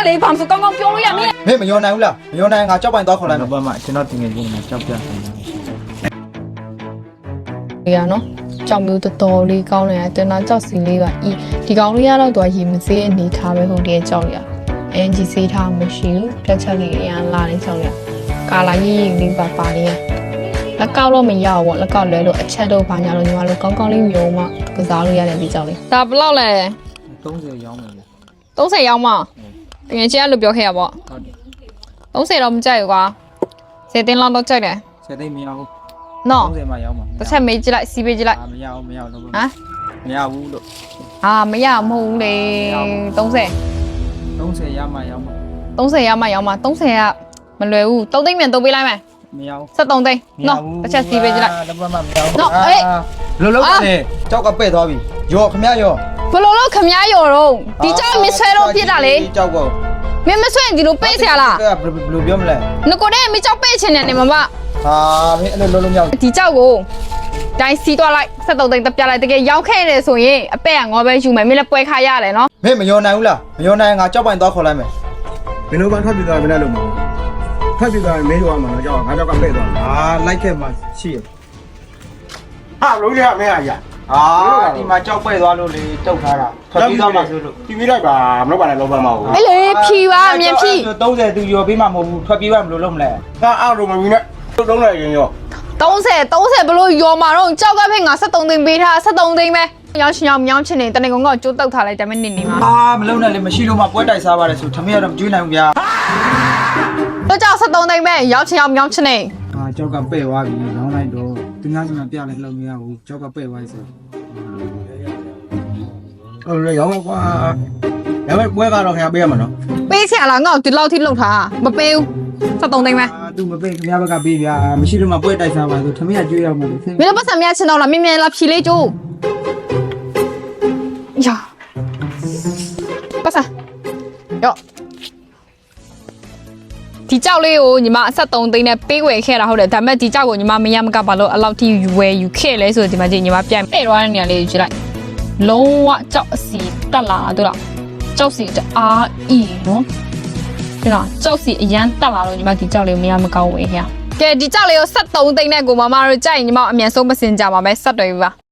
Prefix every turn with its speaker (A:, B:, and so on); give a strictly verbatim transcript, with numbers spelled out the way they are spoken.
A: 嘞，旁边刚刚表了呀没？
B: 没没要难了，没要难，俺交办到口来
C: 老。板嘛，今朝定个人嘛，交不了。
A: 对呀喏，ကြောင်မျိုးတော်တော်လေးကောင်းနေတယ်တင်တာကြောက်စီလေးပါဤဒီကောင်လေးကတော့သူကရေမစေးအနေထားပဲဟုတ်တယ်ကြောက်ရအန်ဂျီစေးထားမရှိဘူးတက်ချက်လေးအရင်လာနေကြောက်ရကာလာရေးရေးလေးပါပါလေးလက်ကောက်တော့မရဘူးပေါ့လက်ကောက်လဲလို့အချက်တော့ဘာညာလို့ညီမတို့ကောင်းကောင်းလေးမျိုးမှကစားလို့ရတယ်ဒီကြောက်လေးဒါဘယ်လောက်လဲ
C: သုံးဆယ်ရောင်းမယ်လေ
A: သုံးဆယ်ရောင်းမှတကယ်ချင်းအဲ့လိုပြောခဲ့ရပေါ့
C: ဟုတ်တယ်
A: သုံးဆယ်တော့မကြိုက်ဘူးကွာဆယ်တင်းလောက်တော့ကြိုက်တယ်
C: ဆယ်သိန်းမရဘူး
A: နော်
C: သုံးဆယ်မှရောင်းမှာ
A: တစ်ချက်မေးကြည့်လိုက်စီးပေးကြည့်လိုက်
C: မရဘူးမရဘူးတော့
A: ဟမ်
C: မရဘူးလို့
A: ဟာမရမဟုတ်ဘူးလေသုံးဆယ်
C: သုံးဆယ်ရမှရောင်းမှာ
A: သုံးဆယ်ရမှရောင်းမှာသုံးဆယ်ကမလွယ်ဘူးသုံးသိန်းမြန်သုံးပေးလိုက်မယ်
C: မရဘူး
A: ဆက်သုံးသိန်းနော်တစ်ချက်စီးပေးကြည့်လိုက်
C: တော့မှမရဘူး
A: နော်အေး
B: လုံးလုံးနေကြောက်ကပဲ့သွားပြီရောခမရော
A: ဘလို့လို့ခမည်းရော်တော့ဒီကြောက်မဆွဲတော့ဖြစ်တာလေ
B: ကြောက်ကော
A: မင်းမဆွဲဒီလိုပေးเสียလား
B: ဘယ်လိုပြောမလဲ
A: ငကိုတဲ့မကြောက်ပေးချင်တယ်နေမမ
B: ဟာမင်းအဲ့လိုလုံးလုံးမြောက်
A: ဒီကြောက်ကိုတိုင်းစီးသွားလိုက်ဆက်သုံးသိန်းတက်ပြလိုက်တကယ်ရောက်ခဲ့တယ်ဆိုရင်အပဲ့ကငေါ်ပဲယူမယ်မင်းလည်းပွဲခါရတယ်နော်
B: မင်းမယောနိုင်ဘူးလားမယောနိုင်ငါကြောက်ပိုင်သွားခေါ်လိုက်မယ်
D: မင်းတို့ကထွက်ပြေးသွားမင်းလည်းလုံးမထွက်ပြေးသွားမင်းတို့ကမှတော့ကြောက်ငါကြောက်ကပဲ့သွား
B: ဟာလိုက်ခဲ့မှရှိရ
D: ဟာလုံးရမင်းအရာ
B: ဟာဒီမှာကြောက်ပဲ့သွားလို့လေတုတ်ထားတာထွက်ပြီးသွားမှဆိုလို့
D: ပြပြလိုက်ပါမလုပ်ပါနဲ့လုံးပါမဟုတ်
A: အေးလေဖြီပါအမြင်ဖြီ
B: သုံးဆယ်သူရောပေးမှမဟုတ်ဘူးထွက်ပြေးမှမလို့လုံးမလဲ
D: ငါအောက်တော့မမီနဲ့တုံးလိုက်ရင်ရော
A: သုံးဆယ်သုံးဆယ်ဘလို့ယော်မာတော့ကြောက်ကဖိတ်ငါဆက်သုံးသိန်းပေးထားဆက်သုံးသိန်းပဲရောင်းရှင်ရောင်းမြောင်းချင်နေတနေကောင်ကကျိုးတောက်ထားလိုက်တယ်မနစ်နေမှာ
B: ဟာမလုံးနဲ့လေမရှိလို့မှပွဲတိုက်စားပါတယ်ဆိုထမင်းရတော့မကျွေးနိုင်ဘူးဗျာ
A: တော့ကြောက်ဆက်သုံးသိန်းပဲရောင်းချင်ရောင်းမြောင်းချင်နေ
B: ဟာကြောက်ကပဲ့သွားပြီလောင်းလိုက်တော့သူများစီမှာပြလိုက်လို့မရဘူးကြောက်ကပဲ့သွားပြီဆို
D: ဟုတ်လေရောင်းကွာဒါပေမဲ့ပွဲကတော့ခင်ဗျာပေးရမှာနော်
A: ပေးချင်လားငါ့ကိုဒီလောက်ထိလှုပ်ထားမပေးဘူးဆက်သုံးသိန်းပဲ
B: အာသူမပေးခင်ဗျားဘက်ကပေးဗျာမရှိလို့မှပွဲတိုက်စားပါဆိုထမင်းရကျွေးရမှာလေ
A: မင်းတို့ပတ်စံများချင်တော့လားမြင်မြင်လားဖြီလေးကျိုးယာပတ်စံယောဒီကြောက်လေးကိုညီမအဆက်သုံးသိန်းနဲ့ပေးဝယ်ခဲ့တာဟုတ်တယ်ဒါပေမဲ့ဒီကြောက်ကိုညီမမရမကဘာလို့အလောက်ထိဝယ်ယူခဲ့လဲဆိုတော့ဒီမှာကြည့်ညီမပြန်ပဲ့သွားတဲ့နေရာလေးကိုကြည့်လိုက်လုံးဝကြောက်အစီတက်လာတော့ကြောက်စီတအားအီနော်ဒီလားကြောက်စီအရန်တက်လာတော့ညီမဒီကြောက်လေးကိုမရမကောင်းဝယ်ခဲ့ကဲဒီကြောက်လေးကိုဆက်သုံးသိန်းနဲ့ကိုမမတို့ကြိုက်ညီမအမြန်ဆုံးမစင်ကြပါမယ်ဆက်တွေ့ပြီပါ